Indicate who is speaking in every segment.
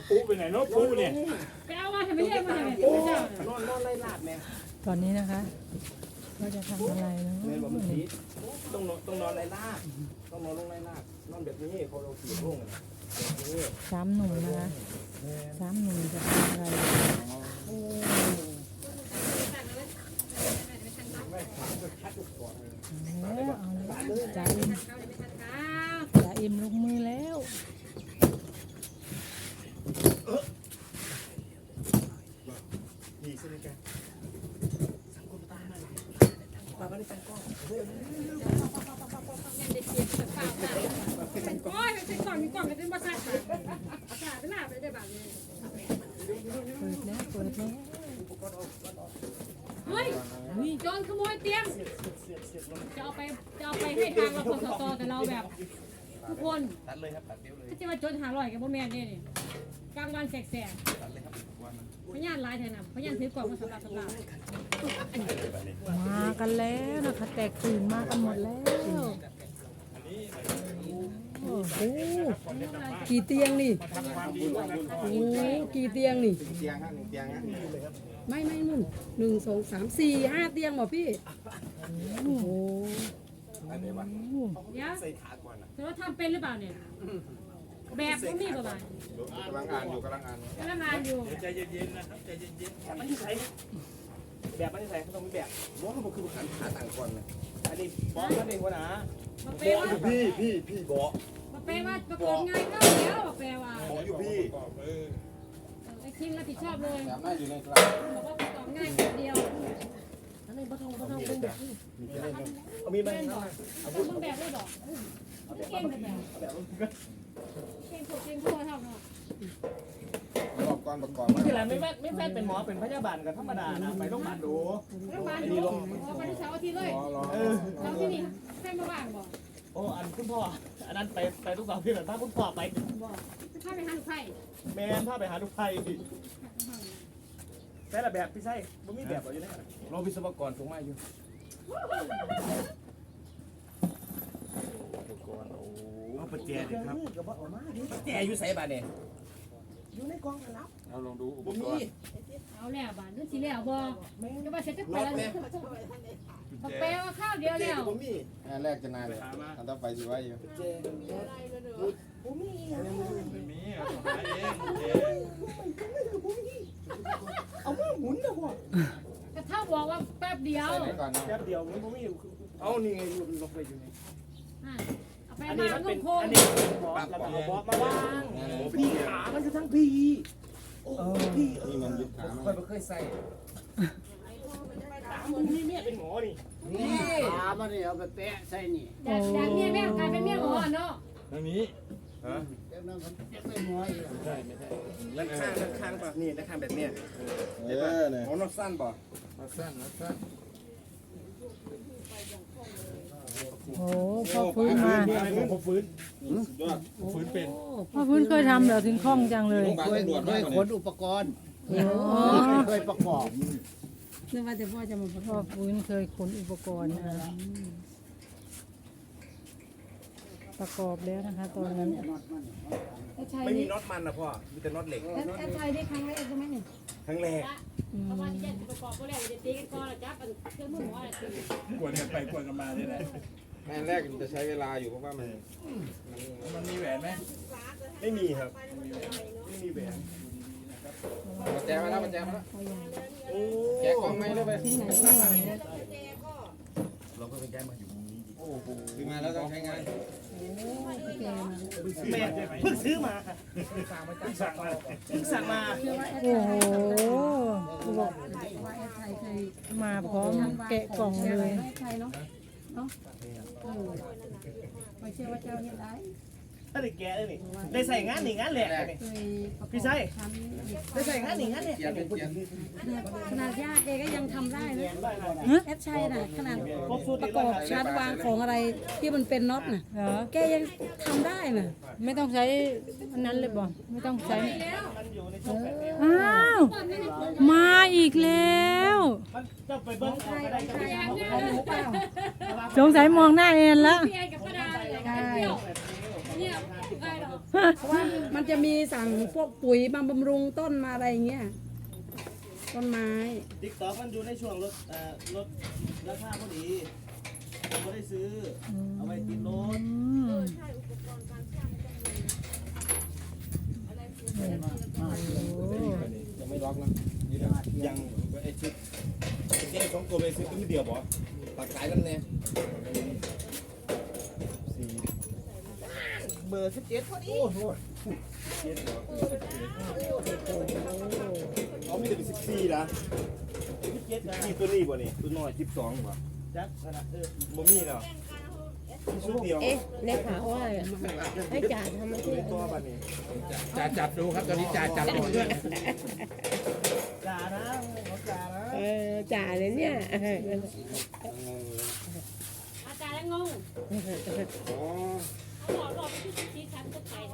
Speaker 1: ปูไปไหนเนาะปูเนี่ย
Speaker 2: ไปเอามาทำไมเรียกมาทำไมปูเจ้าน
Speaker 3: อนไล่ลาดแม่
Speaker 4: ตอนนี้นะคะเราจะทำอะไรนะ
Speaker 3: แม่บอกมันผีต้องนอนไล่ลาดต้องนอนลงไล่ลาดนอนแบบนี้เขาเราขี่ลงแบบนี้
Speaker 4: สามหนุ่มนะคะสามหนุ่มจะทำอะไรแล้วเอาเลยจ่าอิมจ่าอิมลงมือแล้ว
Speaker 3: ดีใช่ไหมแกสังคมตาหน่อยป้าไม่ได้ตั้งกล้อง
Speaker 2: โอ้ยเป็นกล่องมีกล่องกันเป็นภาษาภาษาเป็นหน้าไปได้แบบนี้
Speaker 4: เปิดแล้วเปิดแล้ว
Speaker 2: เฮ้ยโจรขโมยเตียงจะเอาไปให้ทางเราคนต่อแต่เราแบบทุกคน
Speaker 3: ตัดเลยครับตัดเดียวเลย
Speaker 2: ถ้าจะมาโจรหาร่อยกับพ่อแม่เนี่ยกลางวันแสก
Speaker 3: ตัดเลยครับวันนั้น
Speaker 2: ๆพยานลายแทนนะพยานถือกล่องมาสำหรับ
Speaker 4: มากันแล้วนะคะแตกตื่นมากันหมดแล้วโอ้โหกี่เตียงนี่โอ้กี่เตียงนี่
Speaker 3: เตียงฮะ1 เตียงฮะ
Speaker 5: ไม่นุ่น1 2 3 4 5 เตียงเหรอพี่ โอ้โห
Speaker 3: อันไหนวะ
Speaker 2: เดี๋ยว
Speaker 3: ใส่ขาก่อนนะ
Speaker 2: แต่ว่าทำเป็นหรือเปล่าเนี่ยแบบพวกนี้ประมาณ
Speaker 3: กำลังอ่านอยู่
Speaker 2: กำลังงานอยู่
Speaker 1: ใจเย็นๆนะครับใจเย็น
Speaker 3: แบบมันที่ใส่แบบมันที่ใส่เขาต้องมีแบบบอกเขาบอกคือขันขาต่างก่อนนะอันนี้บอกนั่นเองวะนะ
Speaker 2: มาเปว่า
Speaker 3: พี่บอก
Speaker 2: มาเปว่าประกอบงานก็แล้วมาเปว่า
Speaker 3: บอกอยู่พี่
Speaker 2: ไอ้คิมรับผิดชอบเลย
Speaker 3: แบบน่าอยู่ในกลาง
Speaker 2: บอกว่าประกอบง่ายคนเดียว
Speaker 5: อันนี้บ่ต้องเป็นแบบนี้
Speaker 3: เอามีไหม
Speaker 2: เล่นบอกเอาเบิ่งแบบได้บอกเก่งแบบเก่งถูกเก่งทั่วเท่าเนาะ
Speaker 3: ประกอบก่อนประกอบ
Speaker 1: ๆที่ไรไม่แฟนเป็นหมอเป็นพยาบาลกันธรรมดานะไปโรงพยาบาลดู
Speaker 2: รัฐบาลดูไปที่เสาร์อาทิตย์เลยเราที่นี่แฟนมาบ้านบอก
Speaker 1: โอ้อันคุณพ่ออันนั้นไปทุกเสาร์ที่แบบพาคุณพ่อไป
Speaker 2: บอกถ้าไปหาลูกไผ่
Speaker 1: แม่พาไปหาทุกไทยแต่ละแบบพี่ไส้บ่มีแบบอยู่ในนั้น
Speaker 3: รอวิศวกรส่งมาอยู่เอาปัจเจกครับปัจเจกอยู่ใส่บาทเนี่ยอยู่ในกองครับ
Speaker 1: เราลองดูอุป
Speaker 3: บ่
Speaker 1: ก
Speaker 3: มี
Speaker 1: รณ์
Speaker 2: เอาแล้วบ้านนึกสิแล้วบอกจะมาเสร็จจะไปแล้วมาเปว่าข้าวเดียวแล้ว
Speaker 3: บ่มีแรกจะนานเลยอันต่อไปสิว่าอยู่ปัจเจกบ่มี
Speaker 1: ไม่มีเอาหาเองเจ๊
Speaker 3: เอามาหมุนนะพ่อก
Speaker 2: ระเท่าบอกว่าแป๊บเดียว
Speaker 3: ใส่ไหนก่อนนะ
Speaker 1: แป๊บเดียวมันบ่มี
Speaker 3: เอานี่ไงลงไปอยู่นี่
Speaker 2: เอาไป
Speaker 1: อัน
Speaker 2: มา
Speaker 1: นี้มัน
Speaker 2: ง
Speaker 1: เป็น
Speaker 2: งโคง
Speaker 1: อันนี้เป็นบอสแล้วก็เอาบอสมาวางพี่ขามันอยู่ทั้งพี่โอ้พี่
Speaker 3: นี่มันยึดขาค่อยบ่เคยใส่
Speaker 1: พี่เมียเป็นหมอนี่
Speaker 3: นี่
Speaker 5: ขามันนี่เอาไปแปะใส่นี่
Speaker 2: จากเมียแม่กลายเป็นเมียหมอเนาะ
Speaker 1: ทางนี้ฮะ
Speaker 5: เดี๋ยวนั้นผมจะไปหมออีก
Speaker 3: ด้านข้างป่ะนี่ด้านข้างแบบเนี้ยหมอนอสั้นป่ะ
Speaker 4: โอ้พ่อฟื้นมา
Speaker 1: ผมฟื้นฟื้นเป็น
Speaker 4: พ่อฟื้นเคยทำเหรอถึงคล่องจังเลย
Speaker 5: เคยขนอุปกรณ์
Speaker 4: อ๋อ
Speaker 5: เคยประกอบนึกว่าแต่พ่อจะมาประก
Speaker 4: พ่
Speaker 5: อ
Speaker 4: อบ ฟื้นเคยขนอุปกรณ์นะคะประกอบแล้วนะคะ ตอนนั้น
Speaker 3: ไม่มีน็อตมันนะพ่อมีแต่น็อตเหล็ก
Speaker 5: แอดไทยได้ครั้งแรกใช่ไหมนี่
Speaker 3: ครั้งแรก
Speaker 2: ประมาณ7ประกอบก็แล้วจะตีกันก่อนจับเครื่องมือหมออะไรตี
Speaker 1: กวนกันไปกวนกันมานี่แหละ
Speaker 3: ครั้งแรกจะใช้เวลาอยู่เพราะว่ามัน
Speaker 1: มีแหวนไหม
Speaker 3: ไม่มีครับไม่มีแหวนมาแจมาแล้วมาแจมาแล้วแกะกล่องไหมเลยไปเราก็เป็นแกะมาอยู่มุมนี้โอ้โหซื้อมาแล้วต้องใช้งาน
Speaker 1: แม่เพิ่งซื้อมาเพิ่งสั่งมา
Speaker 4: โอ้โห
Speaker 5: ว่าแอดไทยเคย
Speaker 4: มาพร้อมแกะกล่องเลย
Speaker 5: แอดไทยเนาะไม่เชื่อว่าเจ้าเห็นได้
Speaker 1: ถ้าได้แกะได้นี่ได้ใส่งานนี่งานแหลกนี่
Speaker 5: เคยประกอบ
Speaker 1: พี่ไส้ได้ใส่งานนี่งานแหลก
Speaker 5: ขนาดยากแกก็ยังทำได้นะ
Speaker 4: ฮะ
Speaker 5: แอดชัยน่ะขนาด
Speaker 1: ครบสูตร
Speaker 5: ประกอบชาร์จวางของอะไรที่มันเป็นน็อตน่ะ
Speaker 4: เหรอ
Speaker 5: แกยังทำได้น่ะ
Speaker 4: ไม่ต้องใช้อันนั้นเลยบ่ไม่ต้องใช้
Speaker 1: มันอยู่ในช่องแบบนี้
Speaker 4: อ้าว มาอีกแล้ว
Speaker 1: มันจะไปเบิ้งเอาก็ได้จะไปทำ
Speaker 5: เอาหมูเปล่า
Speaker 4: สงสัยมองหน้าเอ็นแล้ว
Speaker 2: พี่ไอ้กับป้าดาเลยกันเที่ยวเนี่ยใครหรอ
Speaker 5: เพราะว่ามันจะมีสั่งพวกปุ๋ยมาบำรุงต้นมาอะไรอย่างเงี้ยต้นไม้
Speaker 1: ติ๊กต็อกมันอยู่ในช่วงลดราคาพอดีผมก็ได้ซื้อเอาไว้ติดรถ
Speaker 3: ยังไม่ล็อกนะยังไอ้ชุดแค่2ตัวไปซื้อตัวเดียวบ่ตักขายกันแน่
Speaker 1: เบอร์17พอดี
Speaker 3: โอ้โหเขาไม่ได้เป็น14นะ
Speaker 1: 17นะ
Speaker 3: 14ตัวนี้บ่นี่ตัวน้อย12บ่
Speaker 1: จักขนาด
Speaker 3: บ่มีแล้วชุดเดียว
Speaker 6: เอ๊ะเลขาว่าอะไรอะให้จ่าทำมาที่
Speaker 3: ตัวบัดนี้
Speaker 7: จ่าจับดูครับตอนนี้จ่าจับดูด้วย
Speaker 1: จ่านะเขาจ่านะ
Speaker 6: จ่าเลยเนี่ย
Speaker 2: อาจารย์แล้วงง
Speaker 3: อ๋อ
Speaker 2: เขาหลอกไปที่ชี้ชั้นก็ไป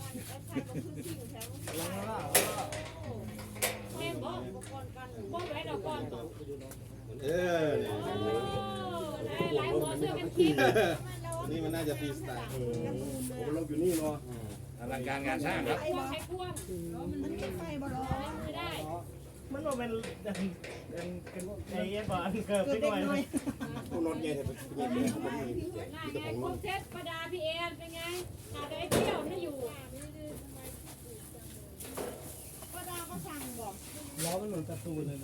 Speaker 2: แม่บอกป้องไว้ดอกก่อน
Speaker 3: เออ
Speaker 2: หลายหัวเสื้อกันคิด
Speaker 3: นี่มันน่าจะฟรีสไตล์ผมลงอยู่นี่เนาะ
Speaker 7: อลังการงานสร้างครับ
Speaker 2: ควงใช้ควงมันไม่ไฟบ่หรอไม่ได้
Speaker 1: มันว่าเป็นไอ้เงี้ยก่อนเกิดไปหน่อย
Speaker 3: ผู้นอนใหญ่แต่เป็นใหญ่เลยผมมี
Speaker 2: หน้าไงครบเซตประดาพี่เอ็นเป็นไงขาดไอ้เที่ยวไม่อยู่
Speaker 1: ล้อมันเหมือนการ์ตูนเลย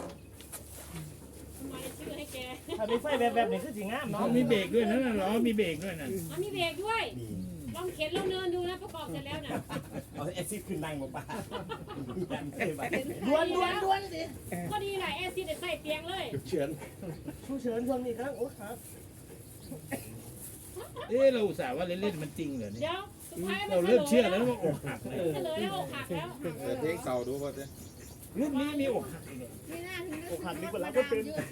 Speaker 2: ทำไมชื่อให้แก
Speaker 1: ถ้ามีไฟแบบนี้คือสีงามเนาะ
Speaker 7: เขามีเบรกด้วยนะล้อมีเบรกด้วยนะ
Speaker 2: มีเบรกด้วยลองเข็นลองเนินดูนะประกอบเสร็จแล้วนะ
Speaker 3: เอาแอซิดขึ้นนั่งบ่ป่า
Speaker 2: ดวนสิก็ดีแหละแอซิดใส่เตียงเลย
Speaker 3: เฉิน
Speaker 1: ผู้เชิญช่วงนี้ครับโอ้ครับ
Speaker 7: เราอุตส่าห์ว่าเล่นๆมันจริงเหรอเนี่ย
Speaker 2: เดี๋ยวสุดท้ายมั
Speaker 7: เรา
Speaker 2: น
Speaker 7: เริ่มเชื่อแล้วว่าอกหักเลย
Speaker 2: เฉลยแล้วอกหักแล้ว
Speaker 3: เพลงเก่าดูป่ะเจ๊
Speaker 7: ลูกนี้มีอกหักอีกเนี่ย
Speaker 1: โอ้ขันนี่เป็นรับก็เป็น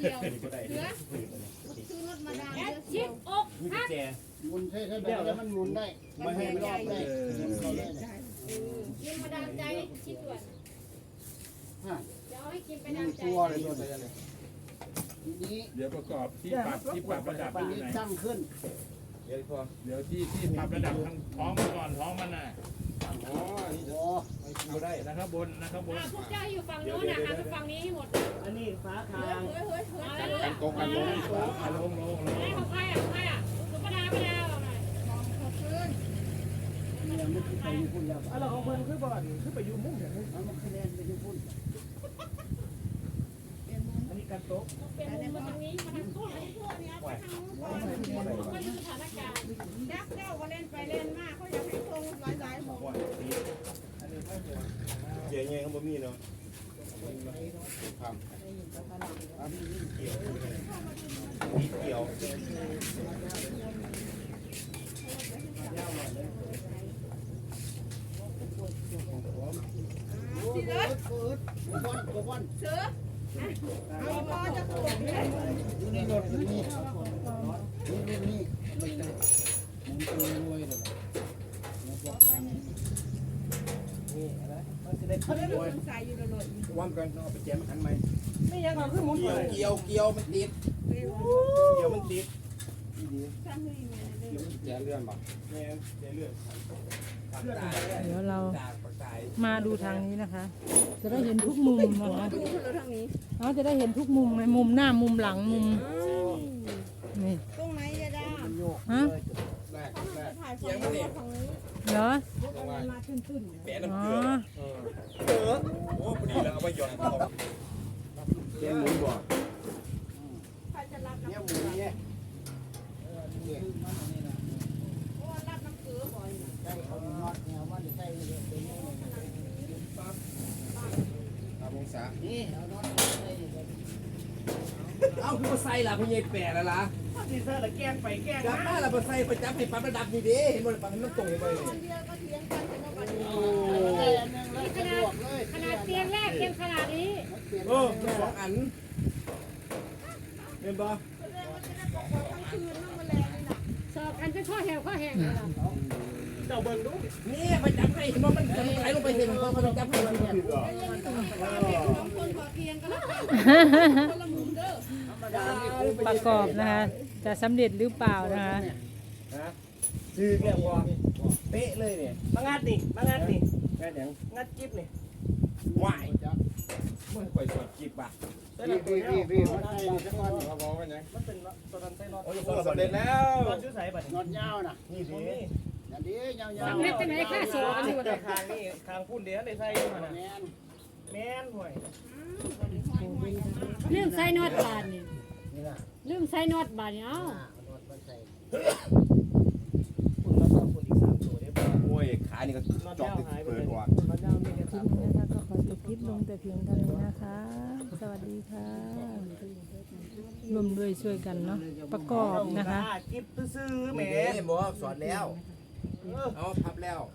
Speaker 2: แอดชิปอกหัก
Speaker 1: แจ
Speaker 8: มุนใช่ใช่แบบแล้วมันมุนได้
Speaker 3: ไม่ให้ไม่ได้
Speaker 2: กินมาดามใจชิปด่วนเดี๋ยวให้กินไปดามใจ
Speaker 8: ตัวเลยตัวเลยนี้
Speaker 7: เดี๋ยวประกอบที่ปรับระดับไปที่ไหน
Speaker 8: ตั้งขึ้น
Speaker 3: เดี๋ยวพอ
Speaker 7: เดี๋ยวที่ปรับระดับทางท้องมันก่อนท้องมันน่ะ
Speaker 3: อ๋อนี่
Speaker 8: โอ้
Speaker 3: ไม่ได้
Speaker 7: นะครับบนนะครับบน
Speaker 2: พวกเจ้าอยู่ฝั่งโน้นนะหันไปฝั่งนี้ให้หมด
Speaker 1: อันนี้ฟ้าคาง
Speaker 2: เอาแล้ว
Speaker 3: กันตรงกันลง
Speaker 7: ลง
Speaker 2: ให้ของใครอ่ะของใครอ่ะสุภดาไปแล้วหน่อย
Speaker 8: ยังไม่ไปญี่ปุ่นแล้ว
Speaker 1: อะไรของเพิ่นคือบ่อนคือไปอยู่มุ้งเดี๋ยวนี้
Speaker 8: เอามาคะแนนไปญี่ปุ่น
Speaker 1: อันนี้การโต๊ะ
Speaker 2: เป็นมุมมาทางนี้มาทางโน้นมาทางโน้นเนี่ยไปทางโน้นก็ดูสถานการณ์
Speaker 9: ยักษ์เจ้าก็เล่นไปเล่นมาเขาอยากให้ทรงหลายๆหมด
Speaker 3: เจ๊ยังเขาบ่มีเนาะครับเกี่ยว
Speaker 9: สิเด้อ
Speaker 8: วัน
Speaker 9: เสือเอาพอจะปวดเนี่ย
Speaker 8: อยู่ในรถนี่นี่นี่มันตัวรวยเลย
Speaker 1: นี่อะไรมันจะได้ขึ้นด้วย
Speaker 9: ใส่อยู่ในรถ
Speaker 3: วันกันเอาไปแจมหันไหม
Speaker 1: ไม่ยังเขาขึ้นมุ้งเลย
Speaker 3: เกี่ยวมันติดเกี่ยวมันติด
Speaker 9: สร้างให้แม่ได้
Speaker 3: เกี่ยวมันแจเลื่อนบ่แม่แจเลื่อน
Speaker 4: เดี๋ยวเรา
Speaker 3: จากปากกาย
Speaker 4: มาดูทางนี้นะคะ จะได้เห็นทุกมุมนะคะ
Speaker 9: ดูเราทางนี้
Speaker 4: เราจะได้เห็นทุกมุมไหมมุมหน้ามุมหลังมุมนี่
Speaker 9: ตรงไหนยาดา
Speaker 4: ฮะ
Speaker 3: แรก
Speaker 9: ถ่ายฝั่งนี้ฝั่งนี้
Speaker 4: เหรอ
Speaker 9: มาขึ้น
Speaker 3: แปะน้ำ
Speaker 4: อ๋อ
Speaker 3: เกลือโอ้พอดีแล้วเอาไปหย่อนของแจหมุนบ่
Speaker 9: ใครจะรับ
Speaker 8: เนี่ยหมูเนี่ย
Speaker 9: เพราะว่ารับน้ำเกลือบ่อย
Speaker 8: ได้เอานอดเนี่ยว่าจะใส่เป็นนี่
Speaker 3: องศา
Speaker 8: นี่เอานอดใส่
Speaker 3: เอ้าคือมาใส่ล่ะพี่ใหญ่แปะแล้วล่ะ
Speaker 1: ถ้าดีเซอร์ละแกล้งไปแกล้ง
Speaker 3: จับ
Speaker 1: มา
Speaker 3: มาล่ะมาใส่ประจับให้ปรับระดับนี่ดิเห็นบ่ปรับให้มันตรงไปเลย
Speaker 9: คนเดียวก็เถียงกันจะมาวันนี้
Speaker 8: ได้อันนึงแล้วสะดวกเลย
Speaker 2: ขนาดเตียงแรกเตียงขนาดนี้
Speaker 3: เออสองอันเห็นบ่
Speaker 9: แสดงว่าจะได้บอกว่าทั้งคืนนั่งมาแรงนี่นะ
Speaker 2: สอบกันจะข้อแหวข้อแห้งเลย
Speaker 1: เจ้าเบิ่งดู
Speaker 3: นี่ไปจับให้เห็นบ่มันไหลลงไปเห็นบ่มันจับให้มันเนี่ย
Speaker 9: สองคนขอเตียงกันแล้วกันคนละมุมเด้อ
Speaker 4: ประกอบนะคะ จะสำเร็จหรือเปล่านะคะ
Speaker 3: ซื้อแก้วบ่ไปป๊ะเลยเนี่ย
Speaker 1: มางัดนี่มางัดนี่
Speaker 3: แค่ยัง
Speaker 1: งัดกิ๊บนี่
Speaker 3: ไหวเมื่อก่อยสดจีบอ่ะ
Speaker 1: ได้ละตัวเดียว
Speaker 8: พี่มาใส่นี่สักก้อน
Speaker 3: เราบอกว่าไง
Speaker 1: มันเป็นตัวนั้นใส่น็อต
Speaker 3: โอ้ยสำเร็จแล้ว
Speaker 1: น็อตชื่อใส่บัด
Speaker 8: นอนยาวน่ะ
Speaker 3: นี่สิ
Speaker 1: นี่
Speaker 8: อย่างนี้ยาว
Speaker 2: สำเร็จจังไหนค่าโซ่กันอยู่
Speaker 1: แต่คางนี่คางพุ่นเดียวได้ใส่อยู่หั่นน่ะ
Speaker 8: แมน
Speaker 1: แม่นห่วย
Speaker 2: ลืมใส่น็อตบาทนี่
Speaker 8: นี่ล่ะ
Speaker 2: ลืมใส่น็อตบาทนี่เอ้า
Speaker 8: นอนมาใส่
Speaker 1: พุ่นน็อตเอาพุ่นอีก3ตัวเด้บ่
Speaker 3: โอ้ยขานี่ก็
Speaker 1: น็อต
Speaker 3: จอก
Speaker 1: ยาว
Speaker 3: ติด
Speaker 1: หายไป
Speaker 3: เปิ
Speaker 1: เล
Speaker 3: ด
Speaker 1: ย
Speaker 3: ก่อน
Speaker 1: น็อตยาวมีแค่
Speaker 4: คลิป
Speaker 1: 3ตัว
Speaker 4: นี้นะคะก็ขอจบคลิปลงแต่เพียงเท่านี้นะคะ สวัสดีค่ะร่วมด้วยช่วยกันเนาะประกอบนะคะ
Speaker 1: กิ๊บซื่อๆแหม
Speaker 3: นี่บอกสอนแล้วเอาพับแล้ว